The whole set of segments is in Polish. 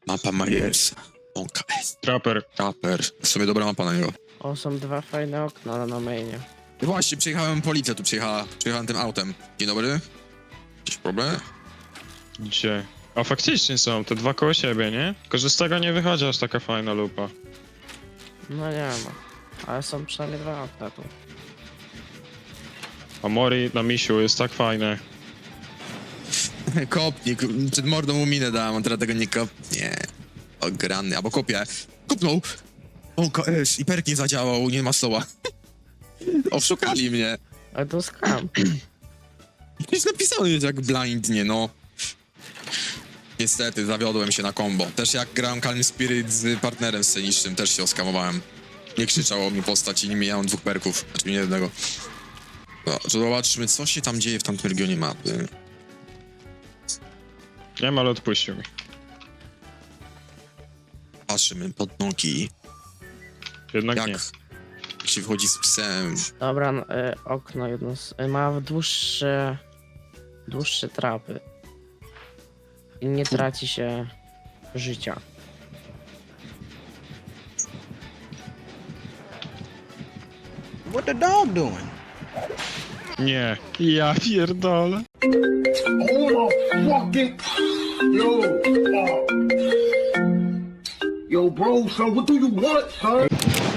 Mapa Myers. Trapper. Trapper. W sumie dobra mapa na niego. O, są dwa fajne okna na mainie. I właśnie, przyjechałem, policja tu przyjechała. Przyjechałem tym autem. Dzień dobry. Jakiś problem? Gdzie? A faktycznie są, te dwa koło siebie, nie? Tylko, że z tego nie wychodzi aż taka fajna lupa. No nie ma. Ale są przynajmniej dwa okna tu. A Mori na misiu jest tak fajne. Kopnik. Przed mordą mu minę dałem, on teraz tego nie kopnie. Ograny, albo kopię. Kopnął. O, KS. I perk nie zadziałał, nie ma slowa. Oszukali mnie. Ale to skam. Jest napisane jak blindnie, no. Niestety, zawiodłem się na combo. Też jak grałem Calm Spirit z partnerem scenicznym, też się oskamowałem. Nie krzyczało mi postać i nie miałem dwóch perków. Znaczy nie jednego. No, zobaczmy, co się tam dzieje w tamtym regionie mapy. Nie wiem, ale odpuścił mi. Patrzymy pod nogi. Jednak Jak nie. się wchodzi z psem. Dobra, okno jedno ma dłuższe trapy. I nie traci się życia. What the dog doing? Nie. Ja pierdolę. Oh my fucking yo, bro, son, what do you want, son?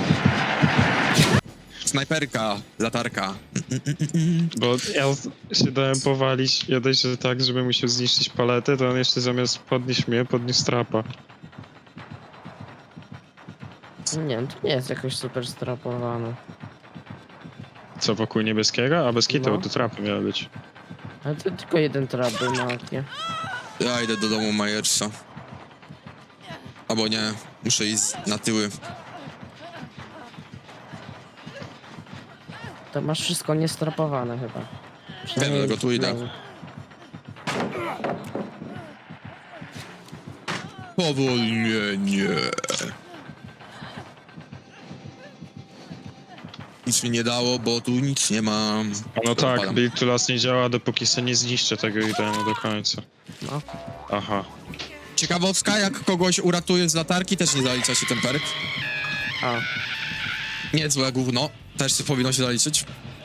Snajperka, latarka. Bo ja się dałem powalić, ja dość, że tak, żeby musiał zniszczyć paletę, to on jeszcze zamiast podnieść mnie, podniósł trapa. Nie wiem, to nie jest jakoś super strapowane. Co, wokół niebieskiego? A bez kitu, No. to trapy miały być. Ale to tylko jeden trap był na oknie. Ja idę do domu Myersa. Albo nie, muszę iść na tyły. To masz wszystko niestrapowane chyba. Wiem, dlatego tu idę. main. Powolnienie. Nic mi nie dało, bo tu nic nie mam. A no tak, Odpalam. Build to Last nie działa, dopóki se nie zniszczę tego itemu do końca. No. Aha. Ciekawostka, jak kogoś uratuje z latarki, też nie zalicza się ten perk. A, Niezłe gówno. Też powinno się zaliczyć.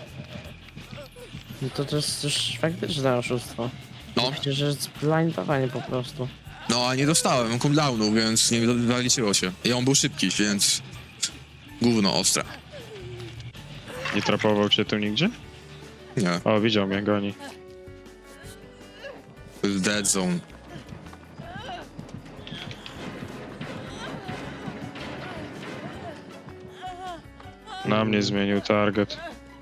no to jest już faktyczne oszustwo. No, Przecież jest blindowanie po prostu. no a nie dostałem cooldownu, więc nie zaliczyło się. I on był szybki, więc... Gówno ostre. Nie trapował cię tu nigdzie? Nie, O, widział mnie, goni. to jest dead zone. Na mnie zmienił target.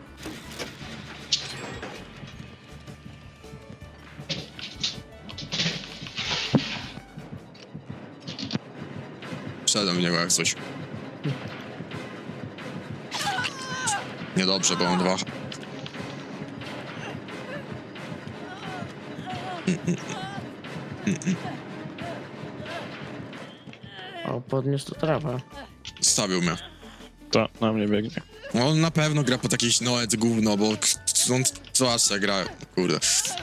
Wszedłem w niego jak coś. Niedobrze, bo on dwa. O, podniósł tu trawę. Stawił mnie. To, na mnie biegnie. No, on na pewno gra po jakieś noet gówno, bo on co aż gra, kurde.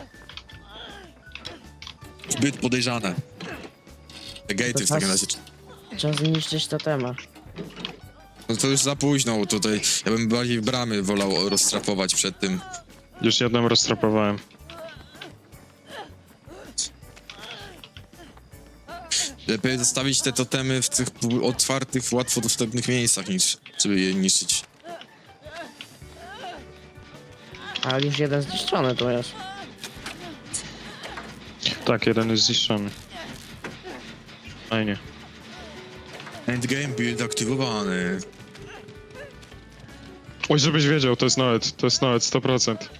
Zbyt podejrzane. Te gatey w takim razie. Trzeba zniszczyć totema. No to już za późno, bo tutaj ja bym bardziej bramy wolał rozstrapować przed tym. Już jedną roztrapowałem. Lepiej zostawić te totemy w tych otwartych, łatwo dostępnych miejscach, niż żeby je niszczyć. Ale już jeden zniszczony tu jest. Tak, jeden jest zniszczony. Fajnie. Endgame build aktywowany. Oj, żebyś wiedział, to jest Noet, 100%. Tu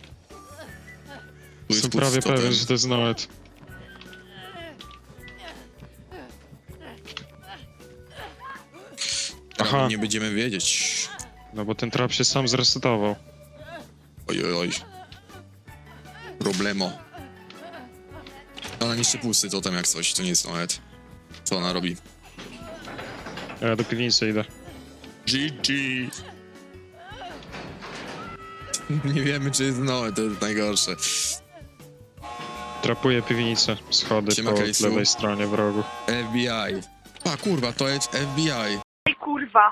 jest Jestem pusty prawie totem. pewien, że to jest Noet. Aha, Nie będziemy wiedzieć. no bo ten trap się sam zresetował. Oj, oj, oj. Problemo. Ona niszczy pusty totem jak coś, to nie jest Noet. Co ona robi? Ja do piwnicy idę. GG. Nie wiemy, czy jest Noet, to jest najgorsze. Trapuję piwnicę, schody Siema, po Kejsu. lewej stronie w rogu. FBI. A kurwa, to jest FBI. Ej, kurwa.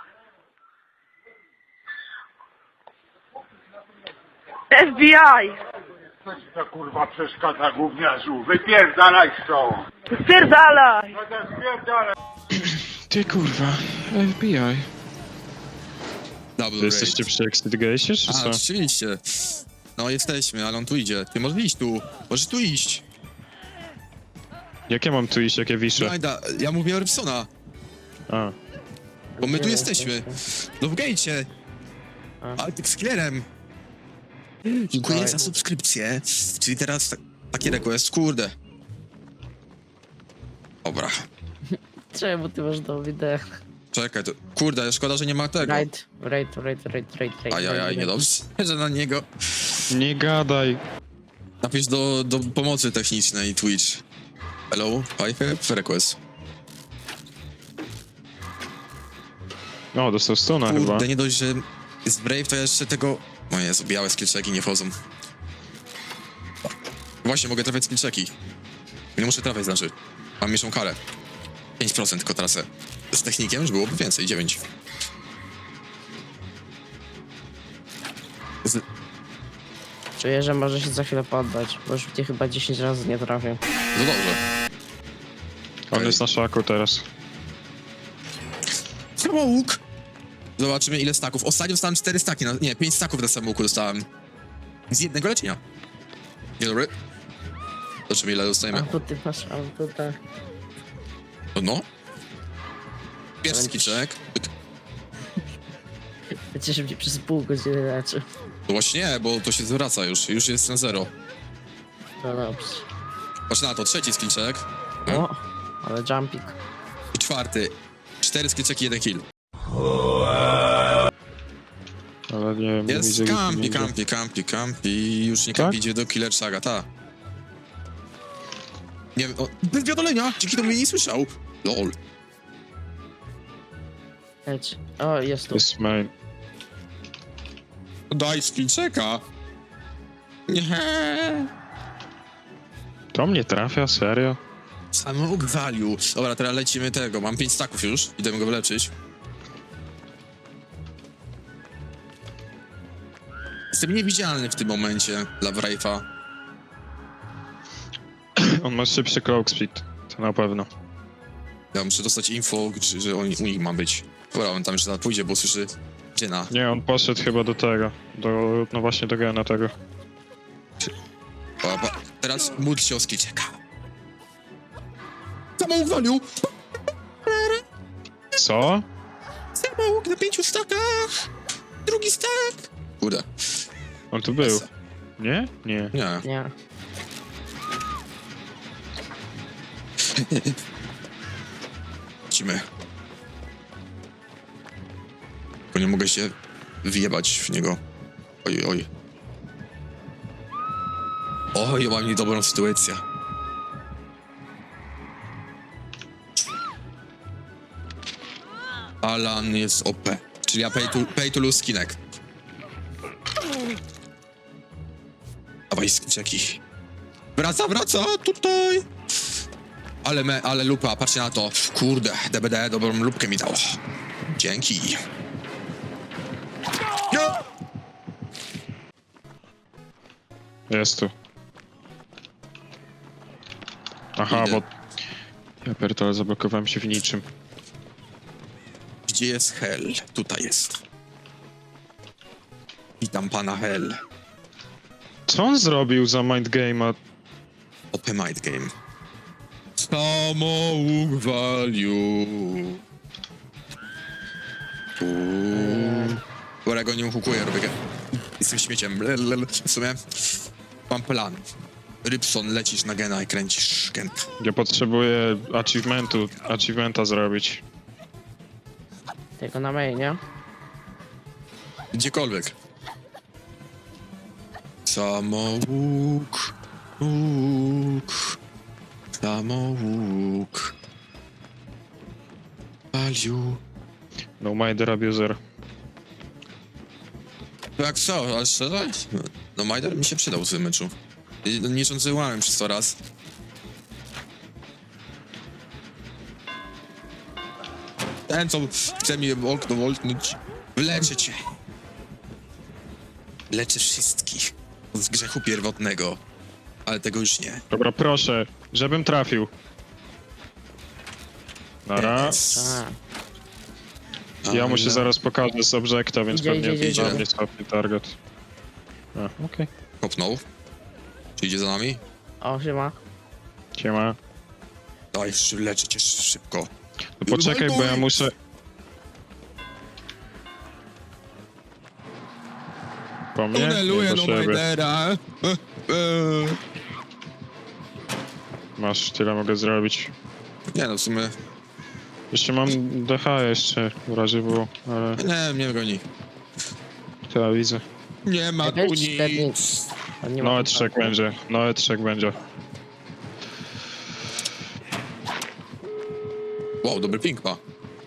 FBI! Co ci to kurwa przeszkadza, gówniarzu? Wypierdalaj stąd! Spierdalaj! No to spierdalaj! Ty kurwa, FBI. Double Wy jesteście przy Exit Gate'ie, czy A, co? oczywiście. No jesteśmy, ale on tu idzie. Ty możesz iść tu. Możesz tu iść. Jak ja mam tu iść, jak ja wiszę? Majda, ja mówię o Rybsona, A, bo my Gdzie tu jesteśmy. jesteście? No w gejcie. A. Ale tak z klerem. Dziękuję Dawaj. za subskrypcję. Czyli teraz taki request, kurde. Dobra. Czemu ty masz do wideo? Czekaj, to... Kurde, szkoda, że nie ma tego. Right. Ajajaj, niedobrze, że na niego. nie gadaj. Napisz do pomocy technicznej Twitch. Hello, I have request. O, dostał stuna chyba. Kurde, nie dość, że jest Brave, to jeszcze tego... O Jezu, białe skillczeki nie wchodzą. Właśnie, mogę trafiać skillczeki. Nie muszę trafiać, znaczy. Mam mniejszą karę. 5% tylko tracę. Z technikiem już byłoby więcej, 9. Czuję, że może się za chwilę poddać, bo już mnie chyba 10 razy nie trafię. No dobrze. On jest na szaku teraz. Samołuk! Zobaczymy ile staków. Ostatnio dostałem 4 staki, nie, 5 staków na samouku dostałem. Z jednego leczenia. Dzień dobry. Zobaczymy ile A dostajemy. tu ty masz, a tu tak. No. Pierwszy skiczek. Będziesz mnie przez pół godziny leczy. No właśnie nie, bo to się zwraca już. Już jest na 0. No dobrze. Patrz na to, trzeci skillczek. O, ale jumpik. I czwarty. 4 skillczeki, 1 kill. Ale nie wiem, nie Jest widzę, kampi, nie widzę. kampi. Już nie Tak? kampi, idzie do Killer Saga, ta. Nie wiem, bez wiadolenia, dzięki temu mnie nie słyszał. Lol. Leć. O, jest tu. Jest main. Daj skillczeka. Nie. To mnie trafia, serio? Samouk value. Dobra, teraz lecimy tego. Mam 5 staków już. Idę go wyleczyć. Jestem niewidzialny w tym momencie dla Wraith'a. On ma szybszy cloak speed, to na pewno. Ja muszę dostać info, że u nich ma być. Dobra, on tam jeszcze zaraz pójdzie, bo słyszy Jenna. Nie, on poszedł chyba do tego. No właśnie do gena tego. Teraz módl się o skillczeka. Samouk value. Co? Samouk na 5 stakach. Drugi stak. Kurde. On tu był. Nie? Nie. Nie. Nie. Lecimy. Bo nie mogę się wjebać w niego. Oj, oj. Oj, mam niedobrą sytuację. Alan jest OP. Czyli ja pay to lose skinek. Dawaj skinczeki. Wraca, tutaj. Ale lupa, patrzcie na to. Kurde, DBD dobrą lupkę mi dało. Dzięki. No! Jest tu. Aha, Idę. bo... Ja pierdolę, zablokowałem się w niczym. Gdzie jest Hell? Tutaj jest. Witam pana Hell. Co on zrobił za mind game'a? OP Mind Game. Samouk value. Dobra, ja go nie uhukuję, robię. Jestem śmieciem. W sumie mam plan. Rybson, lecisz na gena i kręcisz genka. Ja potrzebuję achievementa zrobić. Tylko na mainie. Gdziekolwiek. Samouk. Samouk. Value. No Minder Abuser. Jak co, ale szczerze? No Majder mi się przydał w tym meczu. Nie cządzyłałem przez to raz. Ten, co chce mi okno woltnąć, wyleczę cię. Leczę wszystkich z grzechu pierwotnego, ale tego już nie. Dobra, proszę, żebym trafił. Nara. Ja mu się zaraz pokażę z obiekta, więc Idzie, pewnie idzie. na mnie stopnie target. A, okej. Kopnął. Czy idzie za nami? O, siema. Siema. Daj, leczę cię szybko. No poczekaj, bo ja muszę... Po mnie? Tuneluję Nie, do po siebie. Majdera. Masz, tyle mogę zrobić. Nie no, w sumie... Jeszcze mam DH jeszcze, w razie było, ale Nie, mnie goni. to ja widzę. Nie ma tu Weź czterny- nic. A nie ma No tu E3 karty. będzie, no E3 będzie. Wow, dobry ping ma.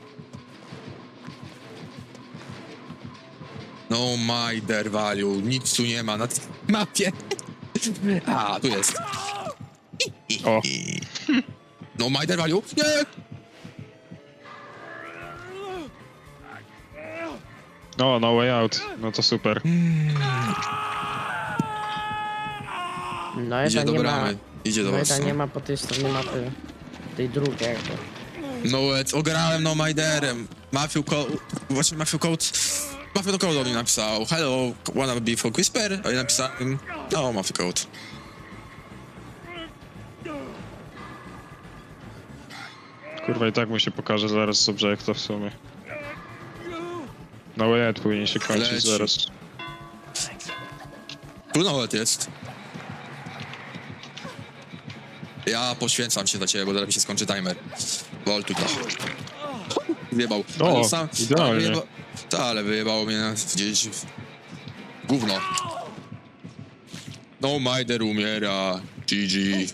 No my der value, nic tu nie ma na tej mapie. A, tu jest. O. No my der value, nie! No, no way out, no to super. No Idzie jeden do nie ma. bramy, idzie do No was. jeden nie ma po tej stronie mapy. Tej drugiej jakby. No ograłem no Majderem. Matthew Code do mnie napisał hello, wanna be for Whisper? A ja napisałem no Matthew Code. Kurwa, i tak mu się pokaże zaraz z obiekta w sumie. No way out powinien się kończyć Leci. zaraz. Tu nawet jest. Ja poświęcam się dla ciebie, bo zaraz mi się skończy timer. Wol tu wyjebał. O, Ale idealnie. Ale wyjebało mnie gdzieś w gówno. No Majder umiera. GG.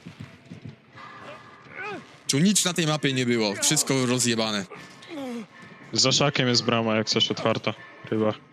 Tu nic na tej mapie nie było. Wszystko rozjebane. Za szakiem jest brama, jak coś otwarta. Chyba.